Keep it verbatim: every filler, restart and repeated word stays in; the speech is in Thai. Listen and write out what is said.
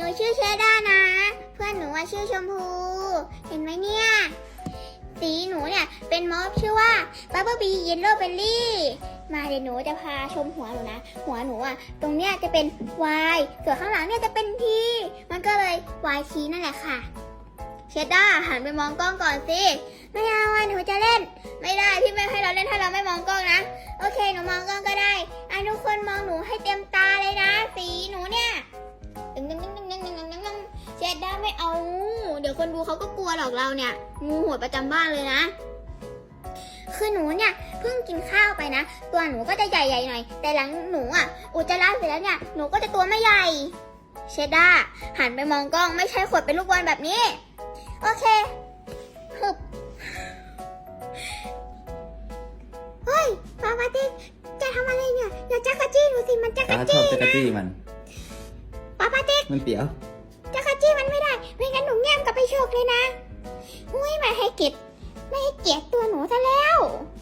ชื่อเชด้านะ เพื่อนหนูว่าชื่อชมพู เห็นไหมเนี่ย สีหนูเนี่ยเป็นมอฟชื่อว่าบับเบิ้ลบีเยลโล่เบลลี่มาเดี๋ยวหนูจะพาชมหัวหนูนะ หัวหนูอ่ะตรงเนี้ยจะเป็น Y ส่วนข้างหลังเนี่ยจะเป็น T มันก็เลย Y T นั่นแหละค่ะเชด้าหันไปมองกล้องก่อนสิไม่เอาอ่ะหนูจะเล่นไม่ได้พี่ไม่ให้เราเล่นถ้าเราไม่มองกล้องนะโอเคหนูมองกล้องก็ได้อ่ะทุกคนมองหนูให้เต็มตาเลยนะสีหนูเนี่ยตึงตึงตึงตึงตึงตึงตึงตึงเชด้าไม่เอาเดี๋ยวคนดูเขาก็กลัวหรอกเราเนี่ยงูหัวประจำบ้านเลยนะคือหนูเนี่ยเพิ่งกินข้าวไปนะตัวหนูก็จะใหญ่ๆหน่อยแต่หลังหนูอ่ะอุจจาระเสร็จแล้วเนี่ยหนูก็จะตัวไม่ใหญ่เชด้าหันไปมองกล้องไม่ใช่ขดเป็นลูกบอลแบบนี้โอเคฮึบเฮ้ยปาปาติจะทำอะไรเนี่ยอย่าจักรจี้หนูสิมันจักรตาชอจี้บจักรนะจี้มันปาปาติมันเปียวจักรจี้มันไม่ได้ไม่งั้นหนูแง้มกลับไปโชกเลยนะอุ้ยไม่ให้เกียรติไม่ให้เกียรติตัวหนูซะแล้ว